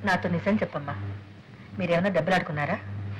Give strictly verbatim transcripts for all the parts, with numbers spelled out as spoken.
నాతో నిజం చెప్పమ్మా, మీరేమన్నా దెబ్బలాడుకున్నారా?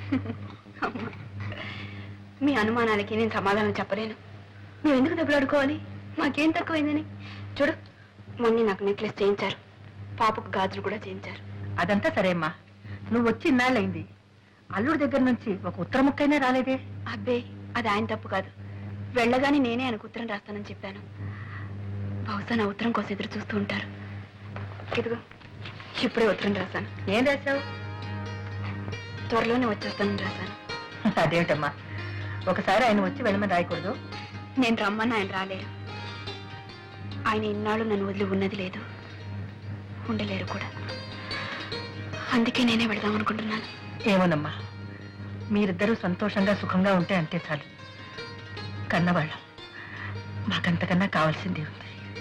మీ అనుమానాలకి నేను సమాధానం చెప్పలేను. మేము ఎందుకు దెబ్బలాడుకోవాలి? మాకేం తక్కువైందని. చూడు, మొన్న నాకు నెక్లెస్ చేయించారు, పాపకు గాజులు కూడా చేయించారు. అదంతా సరే అమ్మా, నువ్వు వచ్చి ఇన్నాళ్ళయింది, అల్లుడి దగ్గర నుంచి ఒక ఉత్తర ముక్కైనా రాలేదే? అబ్బే, అది ఆయన తప్పు కాదు. వెళ్ళగానే నేనే ఆయనకు ఉత్తరం రాస్తానని చెప్పాను. బహుశా నా ఉత్తరం కోసం ఎదురు చూస్తూ ఉంటారు. ఇదిగో ఇప్పుడే ఉత్తరం రాశాను. ఏం రాశావు? త్వరలోనే వచ్చేస్తానని రాశాను. అదేమిటమ్మా, ఒకసారి ఆయన వచ్చి వెళ్ళమని రాయకూడదు? నేను రమ్మని ఆయన రాలేరు. ఆయన ఇన్నాళ్ళు నన్ను వదిలి ఉన్నది లేదు, ఉండలేరు కూడా. అందుకే నేనే వెళదాం అనుకుంటున్నాను. ఏమోనమ్మా, మీరిద్దరూ సంతోషంగా సుఖంగా ఉంటే అంతే చాలు. కన్నవాళ్ళం, మాకంతకన్నా కావాల్సింది ఉంది.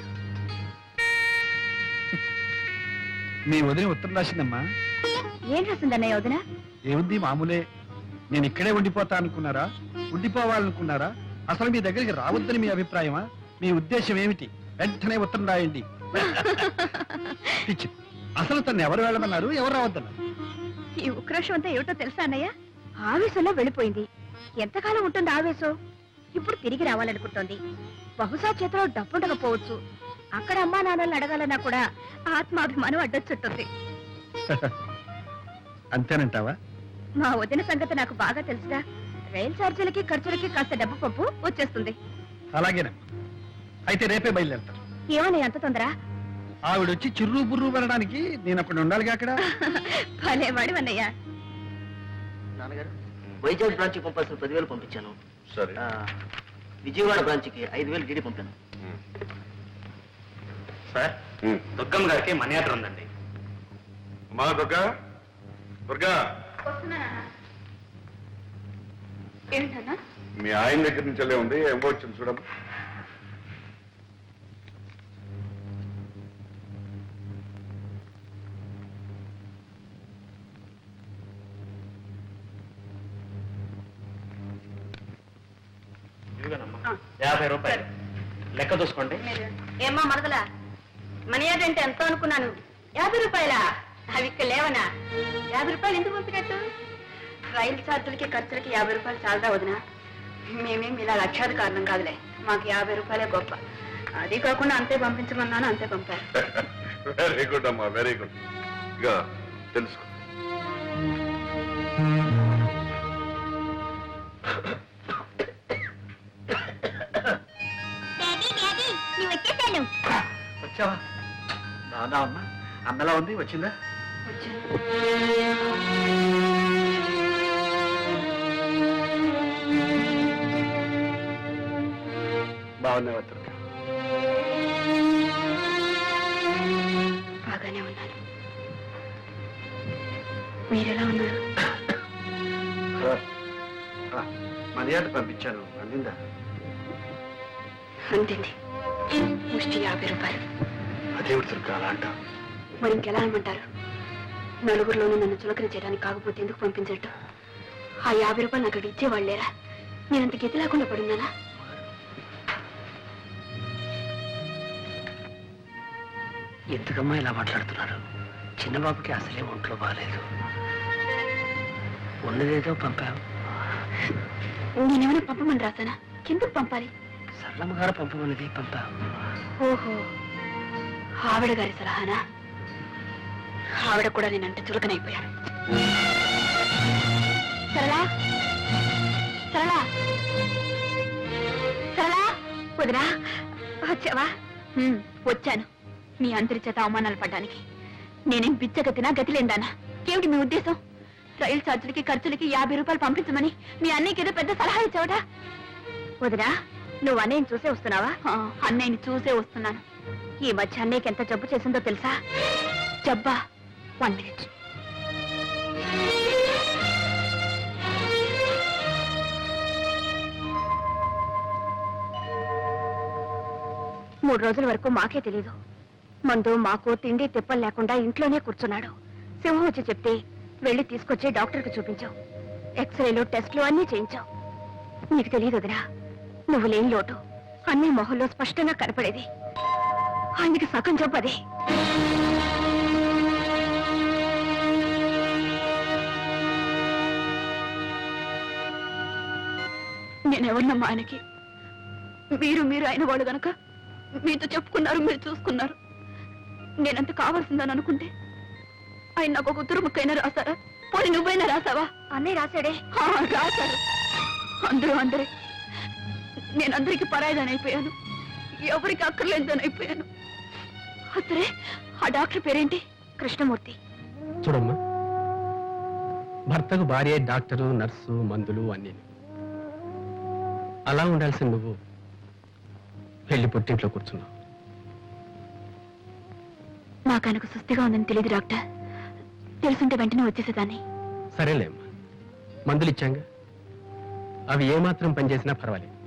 మీ వదిన ఉత్తరం రాసిందమ్మా. ఏం రాసిందన్నయ్య వదిన? ఏముంది, మామూలే. నేను ఇక్కడే ఉండిపోతా అనుకున్నారా, ఉండిపోవాలనుకున్నారా, అసలు మీ దగ్గరికి రావద్దని మీ అభిప్రాయమా? మీ ఉద్దేశం ఏమిటి? వెంటనే ఉత్తరం రాయండి. పిచ్చి, అసలు తను ఎవరు వెళ్ళమన్నారు, ఎవరు రావద్దన్నారు? ఈ ఉక్రోషం అంతా ఏమిటో తెలుసా అన్నయ్య? ఆవేశంలో వెళ్ళిపోయింది. ఎంతకాలం ఉంటుంది ఆవేశం? ఇప్పుడు తిరిగి రావాలనుకుంటోంది. బహుశా చేతిలో డబ్బుండకపోవచ్చు. అక్కడ అమ్మా నాన్నల్ని అడగాలన్నా కూడా ఆత్మాభిమానం అడ్డొచ్చుంటుంది. అంతేనంటావా? మా వదిన సంగతి నాకు బాగా తెలుసుగా. రైలు ఛార్జీలకి ఖర్చులకి కాస్త డబ్బు పప్పు వచ్చేస్తుంది. అలాగేనమ్మా, అయితే రేపే బయలుదేరతాను. ఏమన్నా అంత తొందర? ఆవిడొచ్చి చిర్రు బుర్రు పడడానికి నేను అక్కడ ఉండాలిగా. అక్కడ భలేవాడి అన్నయ్య. నాన్నగారు, వైజాగ్ బ్రాంచ్ కి పంపాల్సిన పదివేలు పంపించాను. సరే. విజయవాడ బ్రాంచ్ కి ఐదు వేలు డీడీ పంపాను. సార్, దుర్గమ్మ గారికి మనీ ఆర్డర్ ఉందండి. మా దుర్గా, దుర్గా, ఏంటన్నా? మీ ఆయన దగ్గర నుంచి వెళ్ళే ఉంది, ఏమో వచ్చింది చూడమ్మా. యాభై రూపాయలు లెక్క చూసుకోండి. ఏమ్మా మరదలా, మనీ ఆర్డర్ అంటే ఎంతో అనుకున్నాను. యాభై రూపాయలా? అవి ఇక్కడ లేవనా? యాభై రూపాయలు ఎందుకు పంపినట్టు? రైలు ఛార్జీలకి ఖర్చులకి యాభై రూపాయలు చాలదా వదినా? మేమేం ఇలా లక్షాది కారణం కాదులే, మాకు యాభై రూపాయలే గొప్ప. అది కాకుండా అంతే పంపించమన్నాను, అంతే పంపారు. వెరీ గుడ్ అమ్మా, వెరీ గుడ్. ఇక తెలుసుకో. వచ్చావా? బాగా అమ్మా, అన్నలా ఉంది, వచ్చిందా? బాగున్నావా దుర్గా? బాగానే ఉన్నాను. మీరెలా ఉన్నారు? మర్యాద పంపించాను, అందిందా? అంతింది. ముష్టి యాభై రూపాయలు. అదేమిటి దుర్గా అలా అంటావు? మరి ఇంకెలా అనమంటారు? నలుగురిలోనూ నన్ను చులకన చేయడానికి కాకపోతే ఎందుకు పంపించట్టు? ఆ యాభై రూపాయలు నాకు అక్కడ ఇచ్చేవాళ్ళేరా? నేనంత గతి లేకుండా పడున్నానా? ఎందుకమ్మా ఇలా మాట్లాడుతున్నారు? చిన్నబాబుకి అసలే ఒంట్లో బాగాలేదు. ఉన్నదేదో పంపావు. నేనేమైనా పంపమని రాసానా? ఎందుకు పంపాలి? సరళమ్మ గారు పంపమన్నది పంపావు. ఓహో, ఆవిడ గారి సలహానా? ఆవిడ కూడా నేనంటే చులకనైపోయాను. సరళా, సరళా, సరళా, వదినా వచ్చావా? వచ్చాను. మీ అందరి చేత అవమానాలు పడ్డానికి. నేనేం బిచ్చగతినా, గతిలేందానా? ఏమిటి మీ ఉద్దేశం? రైలు ఛార్జీలకి ఖర్చులకి యాభై రూపాయలు పంపించమని మీ అన్నయ్యకి ఏదో పెద్ద సలహా ఇచ్చావట. వదినా, నువ్వు అన్నయ్యని చూసే వస్తున్నావా? అన్నయ్యని చూసే వస్తున్నాను. ఈ మధ్య అన్నయ్యకి ఎంత జబ్బు చేసిందో తెలుసా? జబ్బా? One minute. మూడు రోజుల వరకు మాకే తెలీదు. మందు మాకు తిండి తిప్పలు లేకుండా ఇంట్లోనే కూర్చున్నాడు. సింహం వచ్చి చెప్తే వెళ్ళి తీసుకొచ్చి డాక్టర్కి చూపించావు. ఎక్స్రేలు టెస్ట్లు అన్నీ చేయించావు. నీకు తెలియదు వదినా, నువ్వు లేని లోటు అన్ని మొహంలో స్పష్టంగా కనపడేది. ఆయనకి సగం జబ్బు అదే. నేనెవరినమ్మా ఆయనకి? మీరు మీరు అయిన వాళ్ళు గనక మీతో చెప్పుకున్నారు, మీరు చూసుకున్నారు. నేనంత కావాల్సిందని అనుకుంటే ఆయన నాకు ఒక ఉత్తరం ముక్కైనా రాశారా? పోనీ నువ్వైనా రాసావా? అన్నయ్య రాశాడే. రాశారు. అందరూ అందరే. నేను అందరికి పరాయిదాని అయిపోయాను, ఎవరికి అక్కర్లేదని అయిపోయాను. అసలే ఆ డాక్టర్ పేరేంటి? కృష్ణమూర్తి. చూడమ్మా, భర్తకు భార్య డాక్టరు, నర్సు, మందులు అన్నీ. అలా ఉండాల్సిన నువ్వు వెళ్ళి పుట్టింట్లో కూర్చున్నావు. నాకు ఆయనకు సుస్థిగా ఉందని తెలియదు డాక్టర్. తెలుసుంటే వెంటనే వచ్చేసేదాన్ని. సరేలేమ్మా, మందులు ఇచ్చాంగా, అవి ఏమాత్రం పనిచేసినా పర్వాలేదు.